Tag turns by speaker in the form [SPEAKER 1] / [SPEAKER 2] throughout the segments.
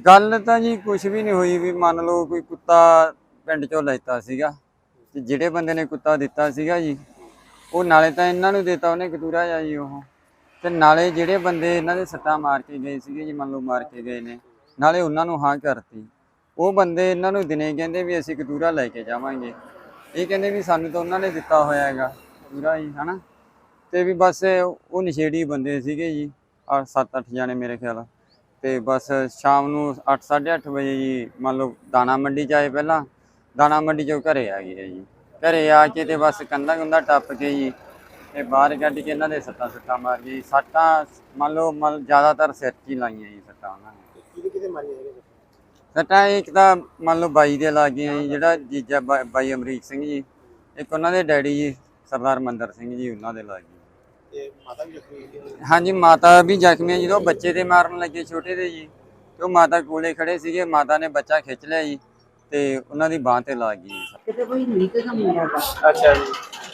[SPEAKER 1] ਗੱਲ ਤਾਂ ਜੀ ਕੁਛ ਵੀ ਨਹੀਂ ਹੋਈ ਵੀ ਮੰਨ ਲਓ ਕੋਈ ਕੁੱਤਾ ਪਿੰਡ ਚੋਂ ਲੈਤਾ ਸੀਗਾ ਤੇ ਜਿਹੜੇ ਬੰਦੇ ਨੇ ਕੁੱਤਾ ਦਿੱਤਾ ਸੀਗਾ ਜੀ ਉਹ ਨਾਲੇ ਤਾਂ ਇਹਨਾਂ ਨੂੰ ਦਿੱਤਾ ਉਹਨੇ ਕਤੂਰਾ ਜਾ ਜੀ ਉਹ ਤੇ ਨਾਲੇ ਜਿਹੜੇ ਬੰਦੇ ਇਹਨਾਂ ਦੇ ਸੱਟਾਂ ਮਾਰ ਕੇ ਗਏ ਸੀਗੇ ਜੀ ਮੰਨ ਲਓ ਮਾਰ ਕੇ ਗਏ ਨੇ ਨਾਲੇ ਉਹਨਾਂ ਨੂੰ ਹਾਂ ਕਰਤੀ। ਉਹ ਬੰਦੇ ਇਹਨਾਂ ਨੂੰ ਦਿਨੇ ਕਹਿੰਦੇ ਵੀ ਅਸੀਂ ਕਤੂਰਾ ਲੈ ਕੇ ਜਾਵਾਂਗੇ, ਇਹ ਕਹਿੰਦੇ ਵੀ ਸਾਨੂੰ ਤਾਂ ਉਹਨਾਂ ਨੇ ਦਿੱਤਾ ਹੋਇਆ ਹੈਗਾ ਕਤੂਰਾ ਜੀ ਹਨਾ। ਤੇ ਵੀ ਬਸ ਉਹ ਨਸ਼ੇੜੀ ਬੰਦੇ ਸੀਗੇ ਜੀ 7-8 ਜਾਣੇ ਮੇਰੇ ਖਿਆਲ। ਤੇ ਬਸ ਸ਼ਾਮ ਨੂੰ 8 8:30 ਵਜੇ ਜੀ ਮੰਨ ਲਓ ਦਾਣਾ ਮੰਡੀ 'ਚ ਆਏ, ਪਹਿਲਾਂ ਦਾਣਾ ਮੰਡੀ 'ਚੋਂ ਘਰੇ ਆ ਗਏ ਜੀ। ਘਰੇ ਆ ਕੇ ਤੇ ਬਸ ਕੰਧਾਂ ਟੱਪ ਕੇ ਜੀ ਤੇ ਬਾਹਰ ਕੱਢ ਕੇ ਇਹਨਾਂ ਦੇ ਸੱਟਾਂ ਮਾਰ ਗਈ। ਸੱਟਾਂ ਮੰਨ ਲਓ ਜ਼ਿਆਦਾਤਰ ਸਿਰ 'ਚ ਹੀ ਲਾਈਆਂ ਜੀ ਸੱਟਾਂ ਉਹਨਾਂ ਨੇ।
[SPEAKER 2] ਕਿਹਦੇ ਮਾਰੀਆਂ ਹੈਗੇ
[SPEAKER 1] ਸੱਟਾਂ ਇੱਕ ਤਾਂ ਮੰਨ ਲਓ ਬਾਈ ਦੇ ਲੱਗ ਗਈਆਂ ਜੀ, ਜਿਹੜਾ ਜੀਜਾ ਬਾਈ ਅਮਰੀਕ ਸਿੰਘ ਜੀ, ਇੱਕ ਉਹਨਾਂ ਦੇ ਡੈਡੀ ਜੀ ਸਰਦਾਰ ਮੰਦਰ ਸਿੰਘ ਜੀ, ਉਹਨਾਂ ਦੇ ਲੱਗ ਗਈ।
[SPEAKER 2] ਤੇ ਮਾਤਾ ਵੀ ਜ਼ਖਮੀ ਹੋਈ?
[SPEAKER 1] ਹਾਂਜੀ ਮਾਤਾ ਵੀ ਜ਼ਖਮੀ ਹੈ। ਜਦੋਂ ਬੱਚੇ ਦੇ ਮਾਰਨ ਲੱਗੇ ਛੋਟੇ ਦੇ ਜੀ ਤੇ ਉਹ ਮਾਤਾ ਕੋਲੇ ਖੜੇ ਸੀਗੇ, ਮਾਤਾ ਨੇ ਬੱਚਾ ਖਿੱਚ ਲਿਆ ਜੀ ਤੇ ਉਹਨਾਂ ਦੀ ਬਾਂਹ ਤੇ ਲੱਗ ਗਈ।
[SPEAKER 3] ਕਿਤੇ ਕੋਈ ਨੀਕ ਦਾ ਮੁੰਡਾ ਦਾ
[SPEAKER 2] ਅੱਛਾ ਜੀ।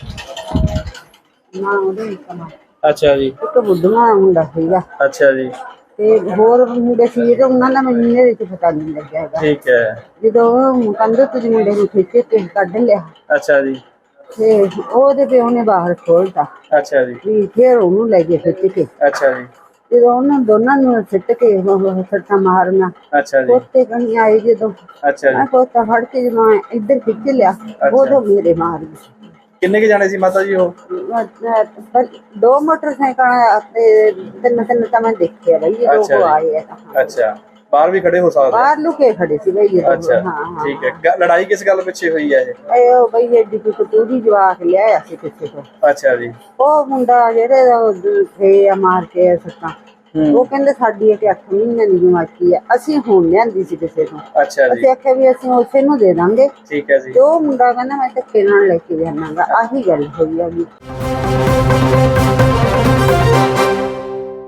[SPEAKER 3] ਨਾ ਉਹਦੇ ਕਮਾ
[SPEAKER 2] ਅੱਛਾ ਜੀ।
[SPEAKER 3] ਇੱਕ ਬੁੱਢਾ ਮੁੰਡਾ ਸੀਗਾ
[SPEAKER 2] ਅੱਛਾ ਜੀ।
[SPEAKER 3] ਤੇ ਹੋਰ ਮੁੰਡੇ ਸੀ ਜਿਹੜੇ ਉਹਨਾਂ ਦਾ ਮੈਨੂੰ ਇਹਦੇ ਵਿੱਚ ਪਤਾ ਨਹੀਂ ਲੱਗਿਆ ਹੈਗਾ।
[SPEAKER 2] ਠੀਕ ਹੈ।
[SPEAKER 3] ਜਦੋਂ ਉਹ ਕੰਧ ਤੋਂ ਮੁੰਡੇ ਨੂੰ ਖਿੱਚ ਕੇ ਕੱਢ ਲਿਆ
[SPEAKER 2] ਅੱਛਾ ਜੀ।
[SPEAKER 3] ਤੇ ਉਹਦੇ ਪਿਓ ਨੇ ਬਾਹਰ ਖੋਲਤਾ।
[SPEAKER 2] ਅੱਛਾ ਜੀ।
[SPEAKER 3] ਵੀ ਫਿਰ ਉਹਨੂੰ ਲੈ ਗਏ ਖਿੱਚ ਕੇ।
[SPEAKER 2] ਅੱਛਾ ਜੀ।
[SPEAKER 3] ਜਦੋਂ ਉਹਨਾਂ ਦੋਨਾਂ ਨੂੰ ਸਿੱਟ ਕੇ ਸੱਟਾਂ ਮਾਰਨਾ
[SPEAKER 2] ਅੱਛਾ ਜੀ।
[SPEAKER 3] ਪੋਤੇ ਕਣੀ ਆਏ ਜਦੋਂ
[SPEAKER 2] ਅੱਛਾ ਜੀ।
[SPEAKER 3] ਮੈਂ ਪੋਤਾ ਫੜ ਕੇ ਜਦੋਂ ਮੈਂ ਇੱਧਰ ਖਿੱਚ ਲਿਆ ਉਦੋਂ ਮੇਰੇ ਮਾਰ ਗਈ।
[SPEAKER 2] ਕਿੰਨੇ ਕੇ ਜਾਣੇ ਸੀ ਮਾਤਾ ਜੀ ਉਹ?
[SPEAKER 3] ਦੋ ਮੋਟਰਸਾਈਕਲ ਤੇ ਤਿੰਨ ਤਾਂ ਮੈਂ ਦੇਖਿਆ ਬਈ ਇਹ ਲੋਕ ਆਏ ਆ।
[SPEAKER 2] ਅੱਛਾ, ਬਾਹਰ ਵੀ ਖੜੇ ਹੋ ਸਕਦੇ?
[SPEAKER 3] ਬਾਹਰ ਲੁਕੇ ਖੜੇ ਸੀ ਬਈ ਇਹ।
[SPEAKER 2] ਅੱਛਾ ਠੀਕ ਹੈ। ਲੜਾਈ ਕਿਸ ਗੱਲ ਪਿੱਛੇ ਹੋਈ ਹੈ ਇਹ?
[SPEAKER 3] ਉਹ ਬਈ ਐਡੀ ਕੋਈ ਕਤੂਰੀ ਜਵਾਕ ਲਿਆਇਆ ਸੀ ਕਿਸੇ ਤੋਂ।
[SPEAKER 2] ਅੱਛਾ ਜੀ।
[SPEAKER 3] ਉਹ ਮੁੰਡਾ ਜਿਹੜੇ ਥੇ ਆ ਮਾਰ ਕੇ ਸੱਟਾਂ, ਉਹ ਕਹਿੰਦੇ ਸਾਡੀ ਇੱਕ 8 ਮਹੀਨੇ ਦੀ ਜਮਾਕੀ ਆ, ਅਸੀਂ ਹੁਣ ਲਿਆਂਦੀ ਸੀ ਕਿਸੇ ਤੋਂ।
[SPEAKER 2] ਅੱਛਾ ਜੀ।
[SPEAKER 3] ਅਸੀਂ ਆਖਿਆ ਵੀ ਅਸੀਂ ਉਸੇ ਨੂੰ ਦੇ ਦਾਂਗੇ।
[SPEAKER 2] ਠੀਕ ਹੈ ਜੀ।
[SPEAKER 3] ਤੇ ਉਹ ਮੁੰਡਾ ਕਹਿੰਦਾ ਮੈਂ ਧੱਕੇ ਨਾਲ ਲੈ ਕੇ ਜਾਵਾਂਗਾ। ਆਹੀ ਗੱਲ ਹੋਈ ਆ ਜੀ।